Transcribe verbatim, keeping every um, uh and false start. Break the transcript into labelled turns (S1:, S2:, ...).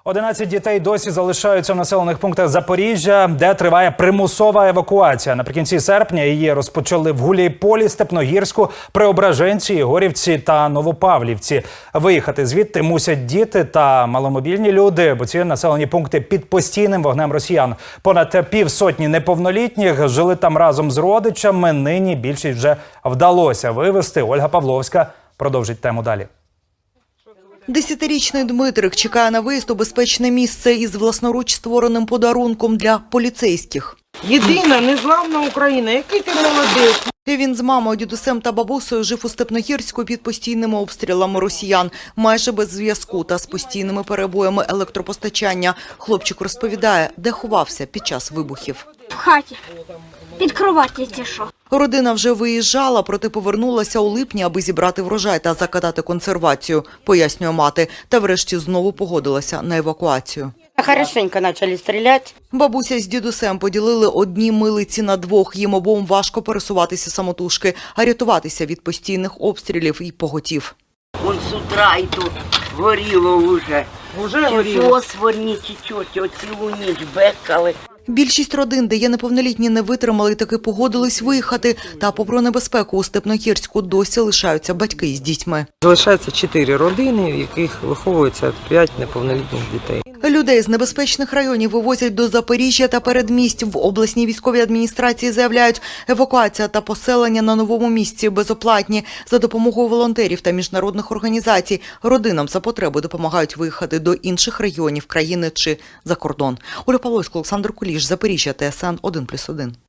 S1: одинадцять дітей досі залишаються в населених пунктах Запоріжжя, де триває примусова евакуація. Наприкінці серпня її розпочали в Гуляйполі, Степногірську, Преображенці, Ігорівці та Новопавлівці. Виїхати звідти мусять діти та маломобільні люди, бо ці населені пункти під постійним вогнем росіян. Понад півсотні неповнолітніх жили там разом з родичами. Нині більшість вже вдалося вивезти. Ольга Павловська продовжить тему далі.
S2: Десятирічний Дмитрик чекає на виїзд у безпечне місце із власноруч створеним подарунком для поліцейських.
S3: Єдина незламна Україна. Який ти молодець.
S2: Він з мамою, дідусем та бабусею жив у Степногірську під постійними обстрілами росіян, майже без зв'язку та з постійними перебоями електропостачання. Хлопчик розповідає, де ховався під час вибухів.
S4: В хаті. Під кроваттю ті що.
S2: Родина вже виїжджала, проте повернулася у липні, аби зібрати врожай та закатати консервацію, пояснює мати. Та врешті знову погодилася на евакуацію.
S5: Хорошенько почали стріляти.
S2: Бабуся з дідусем поділили одні милиці на двох. Їм обом важко пересуватися самотужки, а рятуватися від постійних обстрілів і поготів.
S6: Он з утра і тут горіло вже.
S3: Уже горіло.
S6: Фосфорні ті чорті, оцілу ніч бекали.
S2: Більшість родин, де є неповнолітні, не витримали і таки погодились виїхати. Та попри небезпеку у Степногірську досі лишаються батьки з дітьми.
S3: Залишається чотири родини, в яких виховується п'ять неповнолітніх дітей.
S2: Людей з небезпечних районів вивозять до Запоріжжя та передмість. В обласній військовій адміністрації заявляють, евакуація та поселення на новому місці безоплатні. За допомогою волонтерів та міжнародних організацій родинам за потреби допомагають виїхати до інших районів країни чи за кордон. Ольга Павловська, Олександр Куліш, Запоріжжя, Т С Н один плюс один.